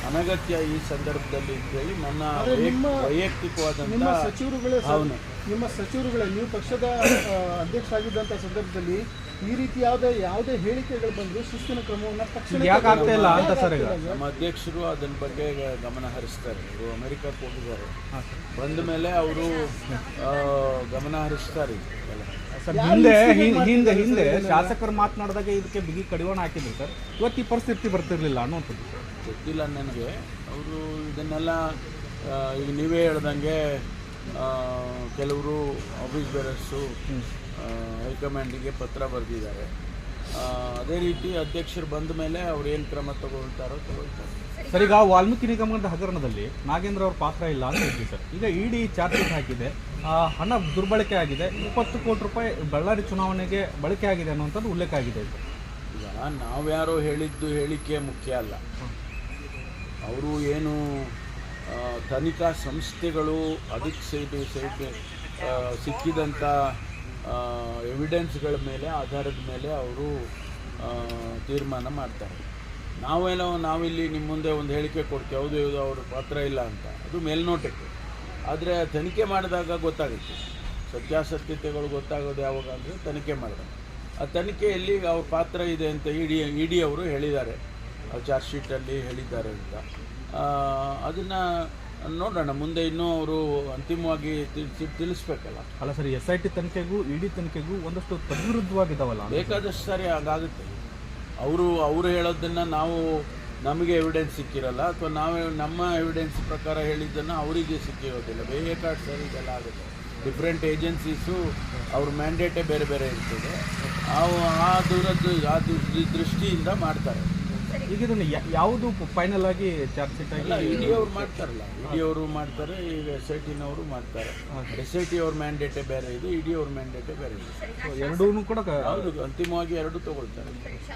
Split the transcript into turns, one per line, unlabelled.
ಅನಗತ್ಯ ಈ ಸಂದರ್ಭದಲ್ಲಿ ಅಂತೇಳಿ ನನ್ನ ವೈಯಕ್ತಿಕವಾದಂಥ ಭಾವನೆ.
ನಿಮ್ಮ ಸಚಿವರುಗಳೇ ನೀವು ಪಕ್ಷದ ಅಧ್ಯಕ್ಷ ಆಗಿದ್ದಂಥ ಸಂದರ್ಭದಲ್ಲಿ ಈ ರೀತಿ ಯಾವುದೇ ಹೇಳಿಕೆಗಳು ಬಂದರೂ ಶಿಸ್ತಿನ ಕ್ರಮವನ್ನು ತಕ್ಷಣ
ನಮ್ಮ ಅಧ್ಯಕ್ಷರು ಅದನ್ನ ಬಗ್ಗೆ ಗಮನ ಹರಿಸ್ತಾರೆ. ಅವರು ಅಮೆರಿಕಕ್ಕೆ ಹೋಗಿದ್ದಾರೆ, ಬಂದ ಮೇಲೆ ಅವರು ಗಮನ ಹರಿಸ್ತಾರೆ.
ಸರ್ ಹಿಂದೆ ಶಾಸಕರು ಮಾತನಾಡಿದಾಗ ಇದಕ್ಕೆ ಬಿಗಿ ಕಡಿವಾಣ ಹಾಕಿದ್ರು ಸರ್. ಇವತ್ತು ಈ ಪರಿಸ್ಥಿತಿ ಬರ್ತಿರ್ಲಿಲ್ಲ ಅನ್ನುವಂಥದ್ದು
ಗೊತ್ತಿಲ್ಲ ನನಗೆ. ಅವರು ಇದನ್ನೆಲ್ಲ ಈಗ ನೀವೇ ಹೇಳ್ದಂಗೆ ಕೆಲವರು ಆಫೀಸ್ ಬೇರರ್ಸು ಹೈಕಮಾಂಡಿಗೆ ಪತ್ರ ಬರೆದಿದ್ದಾರೆ. ಅದೇ ರೀತಿ ಅಧ್ಯಕ್ಷರು ಬಂದ ಮೇಲೆ ಅವ್ರು ಏನು ಕ್ರಮ ತಗೊಳ್ತಾರೋ ತಗೊಳ್ತಾರೆ.
ಸರ್, ಈಗ ವಾಲ್ಮೀಕಿ ನಿಗಮದ ಹಗರಣದಲ್ಲಿ ನಾಗೇಂದ್ರ ಅವ್ರ ಪಾತ್ರ ಇಲ್ಲ ಅಂತ ಹೇಳ್ತೀವಿ ಸರ್. ಈಗ ಇಡಿ ಚಾರ್ಜ್ ಶೀಟ್ ಹಾಕಿದೆ, ಹಣ ದುರ್ಬಳಕೆ ಆಗಿದೆ, 20 ಕೋಟಿ ರೂಪಾಯಿ ಬಳ್ಳಾರಿ ಚುನಾವಣೆಗೆ ಬಳಕೆ ಆಗಿದೆ ಅನ್ನುವಂಥದ್ದು ಉಲ್ಲೇಖ ಆಗಿದೆ ಸರ್.
ಈಗ ನಾವ್ಯಾರೋ ಹೇಳಿದ್ದು ಹೇಳಿಕೆ ಮುಖ್ಯ ಅಲ್ಲ. ಅವರು ಏನು ತನಿಖಾ ಸಂಸ್ಥೆಗಳು ಅದಕ್ಕೆ ಸಿಕ್ಕಿದಂಥ ಎವಿಡೆನ್ಸ್ಗಳ ಮೇಲೆ ಆಧಾರದ ಮೇಲೆ ಅವರು ತೀರ್ಮಾನ ಮಾಡ್ತಾರೆ. ನಾವಿಲ್ಲಿ ನಿಮ್ಮ ಮುಂದೆ ಒಂದು ಹೇಳಿಕೆ ಕೊಡ್ತೀವಿ, ಹೌದು ಅವ್ರ ಪಾತ್ರ ಇಲ್ಲ ಅಂತ, ಅದು ಮೇಲ್ನೋಟಕ್ಕೆ. ಆದರೆ ತನಿಖೆ ಮಾಡಿದಾಗ ಗೊತ್ತಾಗುತ್ತೆ. ಸತ್ಯಾಸತ್ಯತೆಗಳು ಗೊತ್ತಾಗೋದು ಯಾವಾಗ ಅಂದರೆ ತನಿಖೆ ಮಾಡಿದಾಗ. ಆ ತನಿಖೆಯಲ್ಲಿ ಅವ್ರ ಪಾತ್ರ ಇದೆ ಅಂತ ಇಡಿ ಅವರು ಹೇಳಿದ್ದಾರೆ, ಚಾರ್ಜ್ ಶೀಟಲ್ಲಿ ಹೇಳಿದ್ದಾರೆ ಅಂತ. ಅದನ್ನು ನೋಡೋಣ, ಮುಂದೆ ಇನ್ನೂ ಅವರು ಅಂತಿಮವಾಗಿ ತಿಳಿಸ್ಬೇಕಲ್ಲ.
ಅಲ್ಲ ಸರ್, SIT ತನಿಖೆಗೂ ಇಡಿ ತನಿಖೆಗೂ ಒಂದಷ್ಟು ತದ್ವಿರುದ್ಧವಾಗಿದ್ದಾವಲ್ಲ.
ಬೇಕಾದಷ್ಟು ಸಾರಿ ಹಾಗಾಗುತ್ತೆ. ಅವರು ಹೇಳೋದನ್ನು ನಮಗೆ ಎವಿಡೆನ್ಸ್ ಸಿಕ್ಕಿರಲ್ಲ, ಅಥವಾ ನಮ್ಮ ಎವಿಡೆನ್ಸ್ ಪ್ರಕಾರ ಹೇಳಿದ್ದನ್ನು ಅವರಿಗೆ ಸಿಕ್ಕಿರೋದಿಲ್ಲ. ಬೇಕಾದಷ್ಟು ಸಾರಿ ಇದೆಲ್ಲ ಆಗುತ್ತೆ. ಡಿಫ್ರೆಂಟ್ ಏಜೆನ್ಸೀಸು ಅವ್ರ ಮ್ಯಾಂಡೇಟೇ ಬೇರೆ ಬೇರೆ ಇರ್ತದೆ. ಆ ದೃಷ್ಟಿಯಿಂದ ಮಾಡ್ತಾರೆ.
ಈಗ ಇದನ್ನು ಯಾವುದು ಫೈನಲ್ ಆಗಿ ಚಾರ್ಜ್ ಶೀಟ್ ಆಗಿ
ಇಡಿ ಅವರು ಮಾಡ್ತಾರಲ್ಲ, ಇಡಿ ಅವರು ಮಾಡ್ತಾರೆ, ಈಗ SITನವರು ಮಾಡ್ತಾರೆ. SIT ಅವ್ರ ಮ್ಯಾಂಡೇಟೇ ಬೇರೆ ಇದೆ, ಇಡಿ ಅವ್ರ ಮ್ಯಾಂಡೇಟೇ ಬೇರೆ ಇದೆ.
ಎರಡೂ ಕೂಡ
ಹೌದು, ಅಂತಿಮವಾಗಿ ಎರಡೂ ತಗೊಳ್ತಾರೆ.